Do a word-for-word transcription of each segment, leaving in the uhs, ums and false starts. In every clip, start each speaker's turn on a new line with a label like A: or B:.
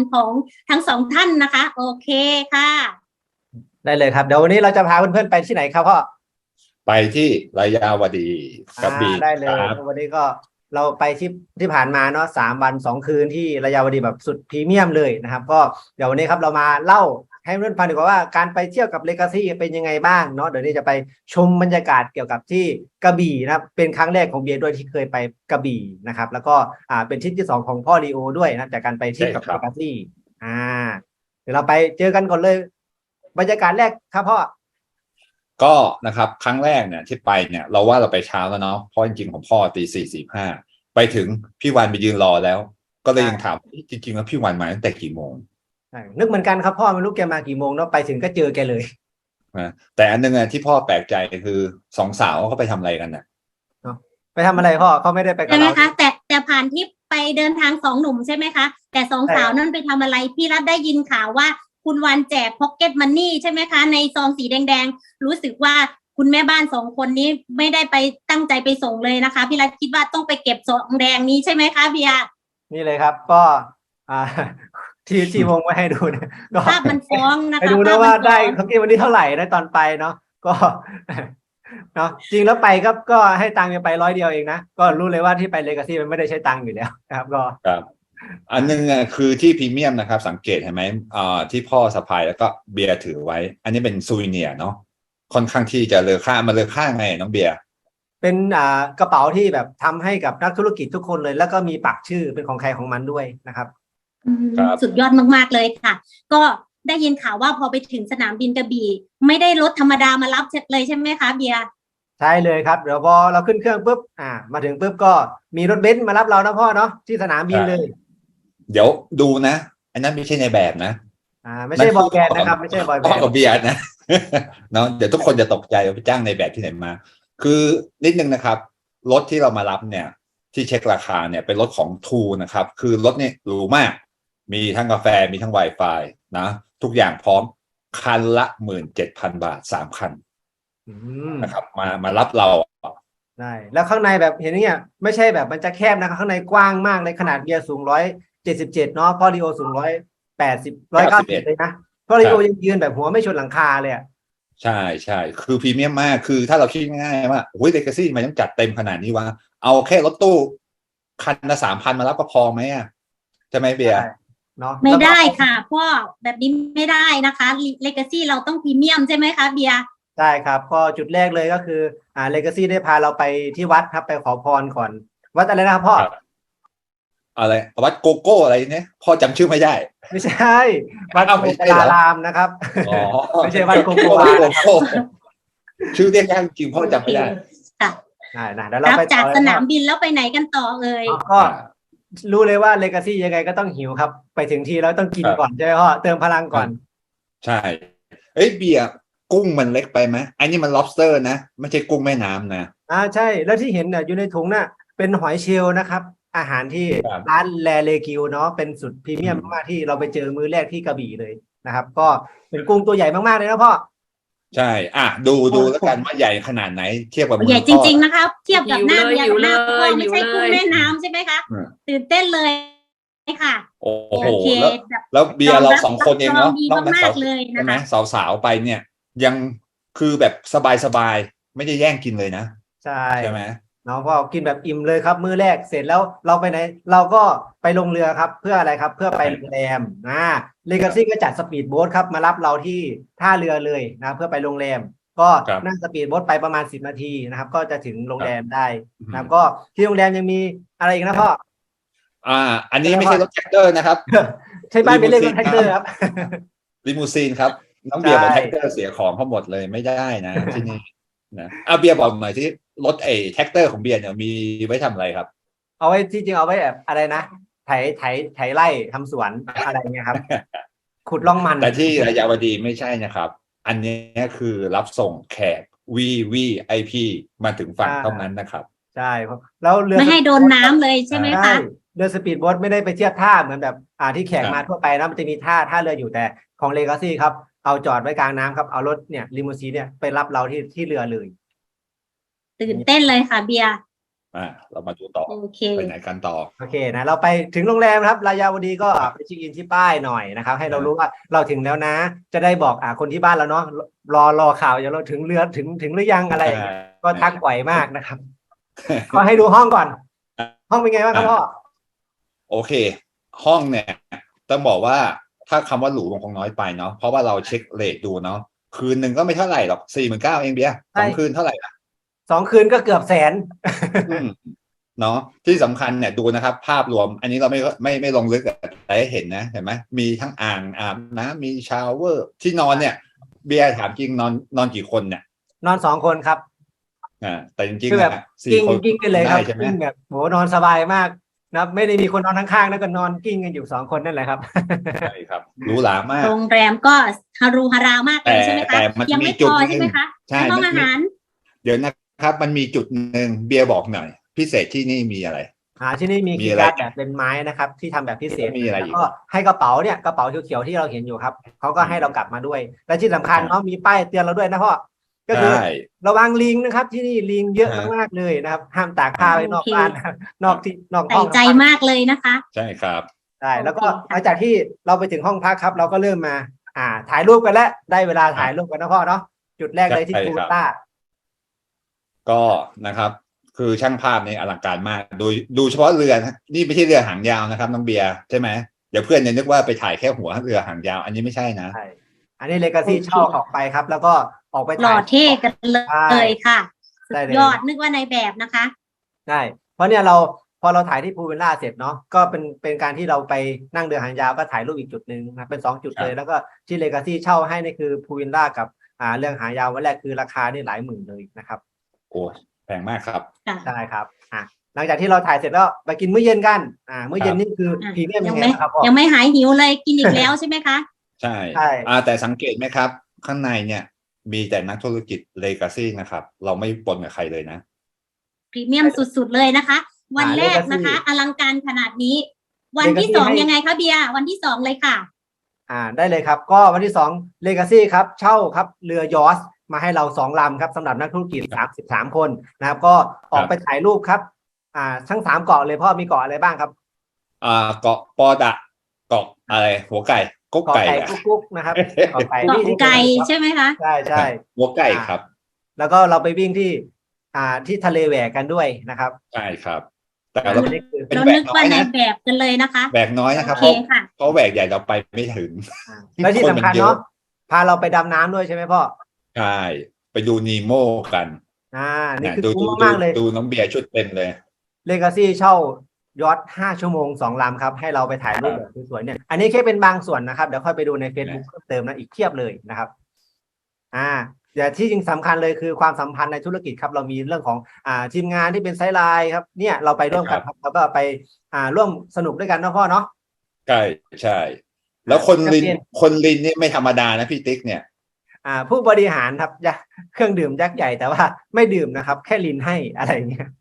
A: ของทั้งสองท่านนะคะโอเคค่ะ
B: ได้เลยครับเดี๋ยววันนี้เราจะพาเพื่อนๆไปที่ไหนครับพ่อ
C: ไปที่ระยาวดีกระบี่
B: ได้เลย
C: ครับ
B: วันนี้ก็เราไปที่ที่ผ่านมาเนาะสามวันสองคืนที่ระยาวดีแบบสุดพรีเมียมเลยนะครับก็เดี๋ยววันนี้ครับเรามาเล่าให้เพื่อนฟังดีกว่าว่าการไปเที่ยวกับเลกาซี่เป็นยังไงบ้างเนาะเดี๋ยวนี้จะไปชมบรรยากาศเกี่ยวกับที่กระบี่นะครับเป็นครั้งแรกของเบียร์ด้วยที่เคยไปกระบี่นะครับแล้วก็อ่าเป็นทริปที่สองของพ่อลีโอด้วยนะจากการไปเที่ยวกับเลกาซี่อ่าเดี๋ยวเราไปเจอกันก่อนเลยบรรยากาศแรกครับพ่อ
C: ก็นะครับครั้งแรกเนี่ยที่ไปเนี่ยเราว่าเราไปเช้าแล้วเนาะเพราะจริงๆของพ่อตีสี่สี่ห้าไปถึงพี่วันไปยืนรอแล้วก็เลยยังถามจริงๆแล้วพี่วันมาตั้งแต่กี่โมง
B: นึกเหมือนกันครับพ่อไม่รู้แกมากี่โมงเนาะไปถึงก็เจอแกเลย
C: แต่อันนึงที่พ่อแปลกใจคือสองสาวเขาไปทำอะไรกันน่ะ
B: ไปทำอะไรพ่อเขาไม่ได้ไปกับเรา
A: ใช่ไหมคะแต่แต่ผ่านที่ไปเดินทางสองหนุ่มใช่ไหมคะแต่สองสาวนั่นไปทำอะไรพี่รัฐได้ยินข่าวว่าคุณวันแจกพ็อกเก็ตมันนี่ใช่ไหมคะในซองสีแดงๆรู้สึกว่าคุณแม่บ้านสองคนนี้ไม่ได้ไปตั้งใจไปส่งเลยนะคะพี่รัฐคิดว่าต้องไปเก็บซองแดงนี้ใช่ไหมคะเบียร์
B: นี่เลยครับก็อ่าที่ที่วงไว้ให้ดูนะก็
A: ภาพมันฟ้องนะคะ
B: ไปดูนะว่าได้พ็อกเก็ตมันนี่เท่าไหร่ได้ตอนไปเนาะก็เนาะจริงแล้วไปก็ก็ให้ตังค์ไปร้อยเดียวเองนะก็รู้เลยว่าที่ไปเลกาซี่มันไม่ได้ใช้ตังค์อยู่แล้วนะครับก็
C: ครับอันนึงคือที่พรีเมียมนะครับสังเกตเห็นไหมอ่าที่พ่อสะพายแล้วก็เบียร์ถือไว้อันนี้เป็นซูวิเนียร์เนาะค่อนข้างที่จะเลอค่ามาเลอค่าไงน้องเบียร์
B: เป็นอ่ากระเป๋าที่แบบทำให้กับนักธุรกิจทุกคนเลยแล้วก็มีปักชื่อเป็นของใครของมันด้วยนะครับ
A: สุดยอดมากๆเลยค่ะก็ได้ยินข่าวว่าพอไปถึงสนามบินกระบี่ไม่ได้รถธรรมดามารับเลยใช่ไหมคะเบียร์
B: ใช่เลยครับเดี๋ยวพอเราขึ้นเครื่องปุ๊บอ่ามาถึงปุ๊บก็มีรถเบนซ์มารับเรานะพ่อเนาะที่สนามบินเลย
C: เดี๋ยวดูนะอันนั้นไม่ใช่ในแบบนะ
B: อ่าไม่ใช่บอยแบนด์นะครับไม่ใช่บอยแบนด์
C: กับเบียร์นะเนาะเดี๋ยวทุกคนจะตกใจว่าไปจ้างในแบบที่ไหนมาคือนิดนึงนะครับรถที่เรามารับเนี่ยที่เช็คราคาเนี่ยเป็นรถของทูนะครับคือรถเนี่ยหรูมากมีทั้งกาแฟมีทั้ง Wi-Fi นะทุกอย่างพร้อมคันละหมื่นเจ็ดพันบาทสามคันนะครับมามารับเรา
B: ได้แล้วข้างในแบบเห็นอย่างเงี้ยไม่ใช่แบบมันจะแคบนะครับข้างในกว้างมากเลยขนาดเบียร์สูงร้อยเจ็ดสิบเจ็ดเนาะพอลีโอสูงร้อยแปดสิบร้อยเก้าสิบเลยนะพอลีโอยังยืนแบบหัวไม่ชนหลังคาเลยอ่ะ
C: ใช่ใช่คือพรีเมียมมากคือถ้าเราคิดง่ายๆว่าโอ้ยเลกาซี่มันต้องจัดเต็มขนาดนี้วะเอาแค่รถตู้คันละสามพันมารับก็พอไหมอ่ะใช่ไหมเบียร์
B: เนาะ
A: ไม่ได้ค่ะพ่อแบบนี้ไม่ได้นะคะเลกาซี่เราต้องพรีเมียมใช่ไหมคะเบียร์
B: ใช่ครับก็จุดแรกเลยก็คืออ่าเลกาซี่ได้พาเราไปที่วัดครับไปขอพรก่อนวัดอะไรนะครับพ่อ
C: อะไรวัดโกโก้อะไรเนี่ยพ่อจำชื่อไม่ได้
B: ไม่ใช่วัดโกโการามนะครับไม่ใช่วัดโกโกวา
C: ชื่อเรียกยากจริงพ่อจำไม่ได้
A: ค่ะ
B: ได้นะเดี๋ยวเราไป
A: จากสนามบินแล้วไปไหนกันต่อเอ่ย
B: ก็รู้เลยว่าเลกาซี่ยังไงก็ต้องหิวครับไปถึงที่แล้วต้องกินก่อนใช่ไหมพ่อเติมพลังก่อน
C: ใช่เอ้ยเบียร์กุ้งมันเล็กไปไหมอันนี้มัน lobster นะไม่ใช่กุ้งแม่น้ำนะ
B: อ่าใช่แล้วที่เห็นเนี่ยอยู่ในถุงน่ะเป็นหอยเชลล์นะครับอาหารที่ร้านแลเลกิวเนาะเป็นสุดพรีเมียมมากๆที่เราไปเจอมื้อแรกที่กระบี่เลยนะครับก็เป็นกุ้งตัวใหญ่มากๆเลยนะพ่อ
C: ใช่อ่ะดูดูแล้วกันว่าใหญ่ขนาดไหนเทียบกับ
A: ใหญ่จริงๆนะครับเทียบกับหน้าเบียร์หน้าพ่อไม่ใช่กุ้งแม่น้ำใช่ไหมคะตื่นเต้นเลยค่ะ
C: โอ้โหแล้วเบียร์เราสองคนเองเนาะน้องนักสาวใช่ไหมสาวๆไปเนี่ยยังคือแบบสบายๆไม่ได้แย่งกินเลยนะ
B: ใช่
C: ใช่ไหม
B: เนาะพ่อกินแบบอิ่มเลยครับมื้อแรกเสร็จแล้วเราไปไหนเราก็ไปลงเรือครับเพื่ออะไรครับเพื่อไปโรงแรมอ่าเลกาซี่ก็จัดสปีดโบ๊ทครับมารับเราที่ท่าเรือเลยนะเพื่อไปโรงแรมก็นั่งสปีดโบ๊ทไปประมาณสิบนาทีนะครับก็จะถึงโรงแรมได้นะครับก็ที่โรงแรมยังมีอะไรอีกนะพ่อ
C: อ่าอันนี้ไม่ใช่รถแท็กเตอร์นะครับ
B: ใช่บ้านเป็นเรื่องรถแท็กเตอร์ครับ
C: ลิมูซีนครับน้องเบียร์บอกแท็กเตอร์เสียของเขาหมดเลยไม่ได้นะที่นี่นะเอาเบียร์บอกหน่อยที่รถไอ้แท็กเตอร์ของเบียร์เนี่ยมีไว้ทำอะไรครับ
B: เอาไว้ที่จริงเอาไว้แบบอะไรนะไถไถไถไร่ทำสวนอะไรเงี้ยครับขุดร่องมัน
C: แต่ที่ระยาวดีไม่ใช่นะครับอันนี้คือรับส่งแขก วี วี ไอ พี มาถึงฝั่งเท่านั้นนะครับ
B: ใช่แล้วเรือ
A: ไม่ให้โดนน้ำเลยใช่ไหมคะ
B: เรือสปีดโบ๊ทไม่ได้ไปเทียบท่าเหมือนแบบอ่าที่แขกมาทั่วไปนะมันจะมีท่าท่าเรืออยู่แต่ของเลกาซี่ครับเอาจอดไว้กลางน้ำครับเอารถเนี่ยลิมูซีนเนี่ยไปรับเราที่ที่เรือเลย
A: ตื่นเต้นเลยค่ะเบียร์
C: อ่าเรามาดูต่อ
A: โอเค
C: ไปไหนกันต่อ
B: โอเคนะเราไปถึงโรงแรมครับรายาวดีก็ไปเช็คอินที่ป้ายหน่อยนะครับ ให้เรารู้ว่าเราถึงแล้วนะ จะได้บอกอ่าคนที่บ้านเราเนาะรอรอข่าวอย่าเราถึงเรือถึงถึงหรือยังอะไรอย่างเงี้ยก็ทักบ่อยมากนะครับ ก็ให้ดูห้องก่อน ห้องเป็นไงบ้างครับพ่อ
C: โอเค ห้องเนี่ยต้องบอกว่าถ้าคำว่าหรูมันคงน้อยไปเนาะเพราะว่าเราเช็คเรทดูเนาะคืนหนึ่งก็ไม่เท่าไหร่หรอกสี่หมื่นเก้าเองเบียร์สองคืนเท่าไหร่ละ
B: สองคืนก็เกือบแสน
C: อืมเนาะที่สำคัญเนี่ยดูนะครับ ภาพรวม อันนี้เราไม่ไม่ไม่ลงลึกแต่ให้เห็นนะเห็นไหมมีทั้งอ่างอาบน้ำมีชาวเวอร์ที่นอนเนี่ย เบียร์ถามจริงนอนนอนกี่คนเนี่ย
B: นอนสองคนครับ
C: อ่าแต่จริง
B: คือ
C: ๆ
B: แบบ
C: นะสี่
B: กิ้ง
C: คน
B: กิ้งกันเลยครับ
C: ได้ใช่ไหม
B: กิ้งแบบโหนอนสบายมากนะไม่ได้มีคนนอนข้างๆแล้วก็นอนกิ้งกันอยู่สองคนนั่นแหละครับ
C: ใช่ครับหรูหรามาก
A: โรงแรมก็ฮารุฮารามากเลยใช่ไหมคะ
C: แต่มัน
A: ยัง
C: มี
A: ไม่
C: จุ
A: พ
C: ด
A: อ
C: หนึ่ง
A: ใช่ไหมคะ
C: ใช่
A: ในห้อง
C: มันมี
A: อาหาร
C: เดี๋ยวนะครับ มันมีจุดหนึ่งเบียร์บอกหน่อย พิเศษที่นี่มีอะไร
B: อ่าที่นี่มี
C: มี
B: คีย์
C: อะไร
B: การ์ดแบบเป็นไม้นะครับ ที่ทำแบบพิเศษ
C: มีอะไร
B: แล้ว
C: อีก
B: ก็ให้กระเป๋าเนี่ยกระเป๋าเขียวๆที่เราเห็นอยู่ครับเขาก็ให้เรากลับมาด้วย และที่สำคัญ
C: ครับ
B: เนาะมีป้ายเตือนเราด้วยนะพ่อก็คือ
C: ใช่
B: ระวังลิงนะครับ ที่นี่ลิงเยอะ
C: อ่าม
B: มากๆเลยนะครับ ห้ามตากผ้าไว้นอก
A: โอเค
B: บ้านนะครับนอกที่นอกห้
A: ใส่
B: อง
A: ใจมากเลยนะคะ
C: ใช่ครับ
B: ใช่แล้วก็
A: โอเคค่ะ
B: หลังจากที่เราไปถึงห้องพักครับ เราก็เริ่มมา อ่า ถ่ายรูปกันแล้วได้เวลาถ่ายรูปกันนะพ่อเนาะจุดแรกเลยที่
C: ใช่
B: พู
C: ครับ
B: ต้า
C: ก็นะครับ คือช่างภาพในอลังการมากดูดูเฉพาะเรือนะนี่ไม่ใช่เรือหางยาวนะครับน้องเบียร์ใช่ไหมเดี๋ยวเพื่อนจะนึกว่าไปถ่ายแค่หัวเรือหางยาว อันนี้ไม่ใช่นะ
B: ใช่อันนี้เลกาซี่
A: โอเค
B: เช่าออกไปครับ แล้วก็ออกไป
A: หล่
B: ถ่า
A: อย เท่กันเลยค่ะ
B: ได้เลย
A: ยอดนึกว่าในแบบนะคะ
B: ใช่เพราะเนี่ยเราพอเราถ่ายที่พูลวิลล่าเสร็จเนาะก็เป็นเป็นการที่เราไปนั่งเรือหางยาวก็ถ่ายรูปอีกจุดหนึ่งนะเป็นสองจุด
C: ครับ
B: เลยแล้วก็ที่เลกาซี่เช่าให้นี่คือพูลวิลล่ากับอ่าเรื่องหางยาววันแรกคือราคานี่หลายหมื่นเลยนะครับ
C: โอ้แพงมากครับ
A: ค่ะ
B: ใช่ครับอ่ะหลังจากที่เราถ่ายเสร็จแล้วไปกินมื้อเย็นกันอ่ามื้อเย็นนี่คือ
A: อ่ะ
B: พรีเมียม
A: ยั
B: ยัง งไง
A: ไม่
B: บ้างครับพ่อ
A: ยังไม่หายหิวเลยกินอีกแล้วใช่ไหมคะ
C: ใช่
B: ใช่
C: อ่าแต่สังเกตไหมครับ ข้างในเนี่ยมีแต่นักธุรกิจเลกาซี่นะครับ เราไม่ปนกับใครเลยนะ
A: พรีเมียมสุดๆเลยนะคะ วันแรกนะคะ อลังการขนาดนี้ วันที่สองยังไงคะเบียร์วันที่สองเลยค่ะ
B: อ่าได้เลยครับก็วันที่สองเลกาซี่ครับเช่าครับเรือยอชต์มาให้เราสองลำครับสำหรับนักธุรกิจสามสิบสามคนนะครับก็ออกไปถ่ายรูปครับอ่าทั้งสามเกาะเลยพ่อมีเกาะอะไรบ้างครับ
C: อ่าเกาะปอดะเกาะอะไรหัวไก่กุ๊ก
B: เกาะ
C: ไก่
B: ไก่
C: อะ
B: กุ๊กๆนะครับเกาะไก่
A: เกาะ
B: ที่ที่
A: ไก่
B: ครับ
A: ใช่ไหมคะ
B: ใช่ใช่
C: หัวไก่ครับ
B: แล้วก็เราไปวิ่งที่อ่าที่ทะเลแหวกกันด้วยนะครับ
C: ใช่ครับ แต่
B: อ่า
C: เรา
B: อันนี้คือ
C: เป็น
A: เรา
C: แหว
A: นึ
C: ก
A: ก
C: น้อ
A: ว่าย ใน
C: นะ
A: แบบกันเลยนะคะ
C: แหวกน้อยนะครับ
A: โอ
C: เพ
A: เค
C: ราะ
A: ค่ะ
C: เพราะแหวกใหญ่เราไปไม่ถึง
B: อ่าและที่สำคัญเนาะพาเราไปดำน้ำด้วยใช่ไหมพ่อ
C: ใช่ไปดูนีโมกัน
B: อ่านี่
C: นะ
B: คือ
C: ดู
B: คุ้
C: ดู
B: มมากๆเลย
C: ดูน้องเบียร์ชุดเต็มเลย
B: เลกาซี่เช่ายอทห้าชั่วโมงสองลำครับให้เราไปถ่ายรูปแบบสวยๆเนี่ยอันนี้แค่เป็นบางส่วนนะครับเดี๋ยวค่อยไปดูใน Facebook เพิ่มเติมนะอีกเทียบเลยนะครับอ่าเดี๋ยวที่จริงสำคัญเลยคือความสัมพันธ์ในธุรกิจครับเรามีเรื่องของอ่าทีมงานที่เป็นไซด์ไลน์ครับเนี่ยเราไปร่วมกันครับแล้วก็ไปอ่าร่วมสนุกด้วยกันนะพ่อเนาะ
C: ใช่ใช่ แล้วคนลิน
B: นักเรียน
C: คนลินนี่ไม่ธรรมดานะพี่ติ๊กเนี่ย
B: อ่าผู้บริหารครับยักษ์เครื่องดื่มยักษ์ใหญ่แต่ว่าไม่ดื่มนะครับ แค่ลินให้อะไรอย่างเงี้ย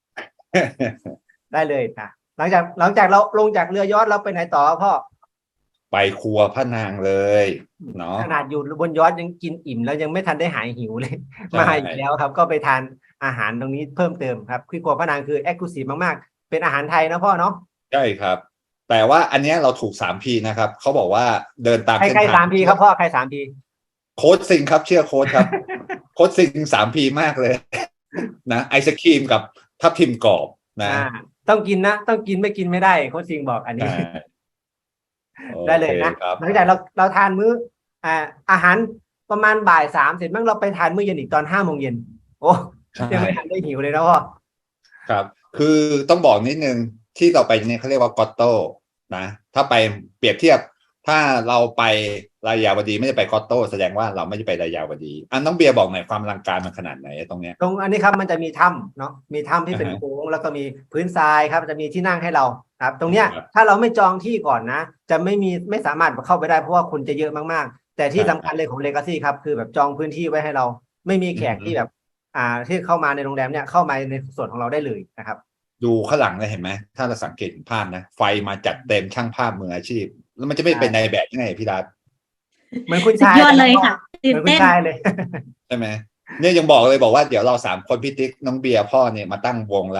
B: ได้เลยนะหลังจากหลังจากเราลงจากเรือยอชต์เราไปไหนต่อพ่อ
C: ไปครัวพระนางเลยเนาะ
B: ขนาดอยู่บนยอชต์ยังกินอิ่มแล้วยังไม่ทันได้หายหิวเลย
C: ใช่
B: มาอีกแล้วครับ ก็ไปทานอาหารตรงนี้เพิ่มเติมครับคือครัวพระนางคือเอ็กซ์คลูซีฟมากๆเป็นอาหารไทยนะพ่อเนาะ
C: ใช่ครับ แต่ว่าอันเนี้ยเราถูกสามพีนะครับเขาบอกว่าเดินตาม
B: ใคร
C: เส้น
B: ใคร
C: ทาง
B: สามพีครับพ่อใครสามพี
C: โค้ดซิงครับเชื่อโค้ดครับ โค้ดซิงสามพีมากเลย นะไอศครีมกับทับทิมกรอบนะ
B: อ่าต้องกินนะต้องกินไม่กินไม่ได้โค้ชซิงบอกอันนี้
C: ใช่
B: ได้เลยนะ
C: โอคครับ
B: หลังจากเราเราทานมื้ออ่าอาหารประมาณบ่ายสามเสร็จมั้งเราไปทานมื้อเย็นอีกตอนห้าโมงเย็นโอ้
C: ใช่
B: ยังไม่ทันได้หิวเลยนะพ่อ
C: ครับ คือต้องบอกนิดนึงที่เราไปเนี่ยเขาเรียกว่ากอตโต้นะถ้าไปเปรียบเทียบ ถ้าเราไปรายาวดีไม่ได้ไปกอตโต้แสดงว่าเราไม่ได้ไปรายาวดีอันน้องเบียร์บอกหน่อยความอลังการมันขนาดไหนตรงเนี้ย
B: ตรงอันนี้ครับมันจะมีถ้ำเนาะมีถ้ำที่เป็น
C: อ่าฮะ
B: โค้งแล้วก็มีพื้นทรายครับจะมีที่นั่งให้เราครับตรงเนี้ย
C: ครับ
B: ถ้าเราไม่จองที่ก่อนนะ จะไม่มีไม่สามารถเข้าไปได้เพราะว่าคนจะเยอะมากๆ แต่ที่
C: ใช่
B: สำคัญเลยของเลกาซี่ครับคือแบบจองพื้นที่ไว้ให้เรา ไม่มีแขก
C: อืม
B: ที่แบบ อ่าที่เข้ามาในโรงแรมเนี่ยเข้ามาในส่วนของเราได้เลยนะครับ
C: ดูข้างหลังเลยเห็นไหมถ้าเราสังเกตเห็นภาพนะไฟมาจัดเต็มช่างภาพมืออาชีพ แล้วมันจะไม่เป็นในแบบยังไงพี่ดา
B: เหมือนคุณ
A: สุด
B: ชาย
A: ยอดเลยค่ะ
B: เห
A: ตื่น
B: มือนคุณ
A: เต้น
B: ชายเลย
C: ใช่ไหมเนี่ยยังบอกเลยบอกว่าเดี๋ยวเราสามคนพี่ติ๊กน้องเบียร์พ่อเนี่ยมาตั้งวงแล้ว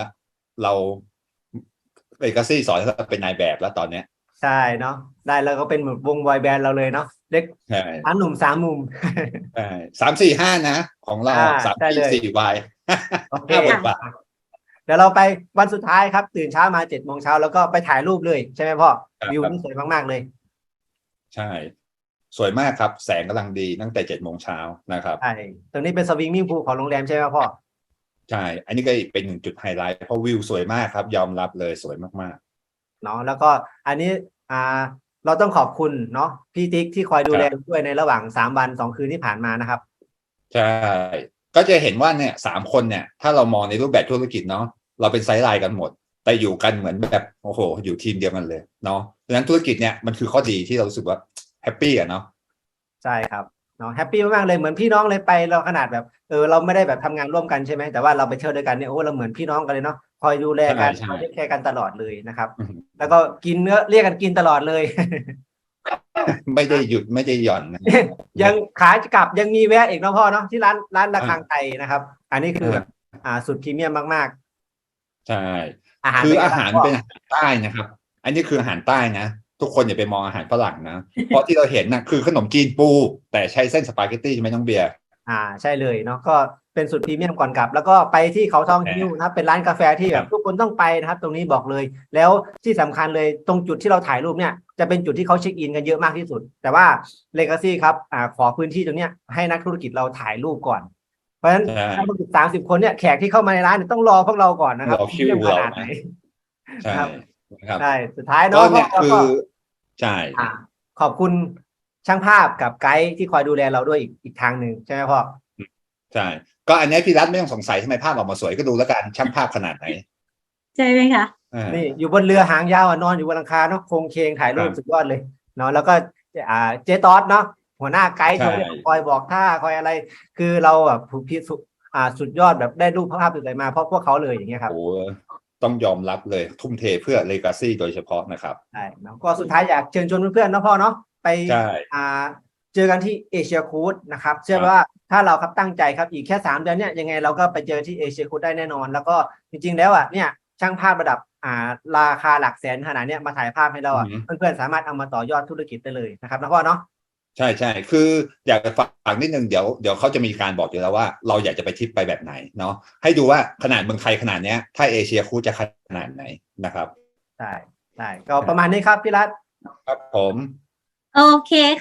C: เราเลกาซี่สอนให้เราเป็นนายแบบแล้วตอนเนี้ย
B: ใช่เนาะได้แล้วก็เป็นเหมือนวงบอยแบนด์เราเลยเนาะเล็ก
C: ใช่
B: สามหนุ่มสามมุม
C: ใช่สามสี่ห้านะ ของเรา
B: อ่า
C: สาม
B: ได้เลย
C: สี่วาย
B: โอเค
C: ห้าบทบาท
B: เดี๋ยวเราไปวันสุดท้ายครับ ตื่นเช้ามาเจ็ดโมงเช้าแล้วก็ไปถ่ายรูปเลยใช่ไหมพ่อ
C: ครับ
B: วิวนี่สวยมากๆเลย
C: ใช่ สวยมากครับ แสงกำลังดีตั้งแต่เจ็ดโมงเช้านะครับ
B: ใช่ตรงนี้เป็นสวิงมิ่งพูลของโรงแรมใช่ไหมพ่อ
C: ใช่ อันนี้ก็เป็นหนึ่งจุดไฮไลท์เพราะวิวสวยมากครับ ยอมรับเลยสวยมาก
B: เนาะแล้วก็อันนี้อ่าเราต้องขอบคุณเนาะพี่ติ๊กที่คอยดูแลด้วยในระหว่างสามวันสองคืนที่ผ่านมานะครับ
C: ๆ ใช่ ก็จะเห็นว่าเนี่ยสามคนเนี่ย ถ้าเรามองในรูปแบบธุรกิจเนาะเราเป็นไซด์ไลน์กันหมด แต่อยู่กันเหมือนแบบโอ้โห อยู่ทีมเดียวกันเลยเนาะดังนั้นธุรกิจเนี่ยมันคือข้อดีที่เรารู้สึกว่าแฮปปี้อะเนาะ
B: ใช่ครับเนาะแฮปปี้มากๆเลยเหมือนพี่น้องเลยไปเราขนาดแบบเออเราไม่ได้แบบทำงานร่วมกันใช่ไหมแต่ว่าเราไปเที่ยวด้วยกันเนี่ยโอ้เราเหมือนพี่น้องกันเลยเนาะคอยดูแลกัน
C: ใช่
B: คอยเทคแคร์กันตลอดเลยนะครับ
C: อืม
B: แล้วก็กินเนื้อเรียกกันกินตลอดเลย
C: ไม่ได้หยุดไม่ได้หย่อนนะ
B: ยังขากลับยังมีแวะอีกเนาะพ่อเนาะที่ร้านร้านระฆังไทยนะครับ อันนี้คือแบบอ่าสุดพรีเมียมมาก
C: ใช่
B: ๆ อาหาร
C: คือ
B: เป็นไง
C: อาหาร
B: บ้งพ่
C: เป็นอาหารใต้นะครับ อันนี้คืออาหารใต้นะ ทุกคนอย่าไปมองอาหารฝรั่งนะ เพราะที่เราเห็นนะคือขนมจีนปู แต่ใช้เส้นสปาเกตตี้ใช่ไหมน้องเบียร์
B: อ่าใช่เลยเนาะก็เป็นสุดพรีเมียมก่อนกลับ แล้วก็ไปที่เขาทองฮิ้วนะครับเป็นร้านกาแฟที่
C: ค
B: แบ
C: รั
B: บบ ทุกคนต้องไปนะครับ ตรงนี้บอกเลย แล้วที่สำคัญเลยตรงจุดที่เราถ่ายรูปเนี่ยจะเป็นจุดที่เขาเช็คอินกันเยอะมากที่สุด แต่ว่า Legacy ครับอ่าขอพื้นที่ตรงเนี้ยให้นักธุรกิจเราถ่ายรูปก่อน เพราะฉะนั้น
C: ใช่
B: นักธุรกิจสามสิบคนเนี่ยแขกที่เข้ามาในร้านเนี่ยต้องรอพวกเราก่อนนะครับ
C: รอคิว
B: พรีเมียมข
C: เรา
B: นาดไหน
C: ใช่
B: ครับ
C: นะครับ
B: ใช่สุดท้าย
C: ก็
B: เนาะ
C: เนี่ย
B: พ่
C: คือ
B: ก็
C: ใช่
B: อ่าขอบคุณช่างภาพกับไกด์ที่คอยดูแลเราด้วยอีกอีกทางหนึ่งใช่ไหมพ่อ
C: ใช่ ก็อันนี้พี่รัฐไม่ต้องสงสัยทำไมภาพออกมาสวยก็ดูแล้วกันช่างภาพขนาดไหน
A: ใช่ไหมคะ
C: อ่า
B: นี่อยู่บนเรือหางยาวอ่ะนอนอยู่บนหลังคาเนาะโครงเคงถ่ายรูป
C: ครับ
B: สุดยอดเลยเนาะแล้วก็อ่าเจตอสเนาะหัวหน้าไกด์
C: ใช่
B: คอยบอกท่าคอยอะไร คือเราแบบผูกพิสุอ่าสุดยอดแบบได้รูปภาพสวยๆมาเพราะพวกเขาเลยอย่างเงี้ยครับ
C: โอ้ต้องยอมรับเลยทุ่มเทเพื่อ Legacy โดยเฉพาะนะครับ
B: ใช่เนาะก็สุดท้ายอยากเชิญชวนเพื่อนๆเนาะพ่อเนาะไป
C: ใช่
B: อ่าเจอกันที่เอเชียคูดนะครับเชื่อว่าถ้าเราครับตั้งใจครับอีกแค่สามเดือนเนี่ยยังไงเราก็ไปเจอที่เอเชียคูดได้แน่นอน แล้วก็จริงๆแล้วอ่ะเนี่ยช่างภาพระดับอ่าราคาหลักแสนขนาดเนี้ยมาถ่ายภาพให้เราอ่ะ
C: อือหือ
B: เพื่อนๆสามารถเอามาต่อยอดธุรกิจได้เลยนะครับนะพ่อเนาะ
C: ใช่ใช่คืออยากจะฝากนิดนึงเดี๋ยวเดี๋ยวเขาจะมีการบอกอยู่แล้วว่าเราอยากจะไปทริปไปแบบไหนเนาะให้ดูว่าขนาดเมืองไทยขนาดเนี้ยถ้าเอเชียคูจะขนาดไหนนะครับ
B: ใช่ใช่ก็ประมาณนี้ครับพี่รัต
C: ครับผม
A: โอเค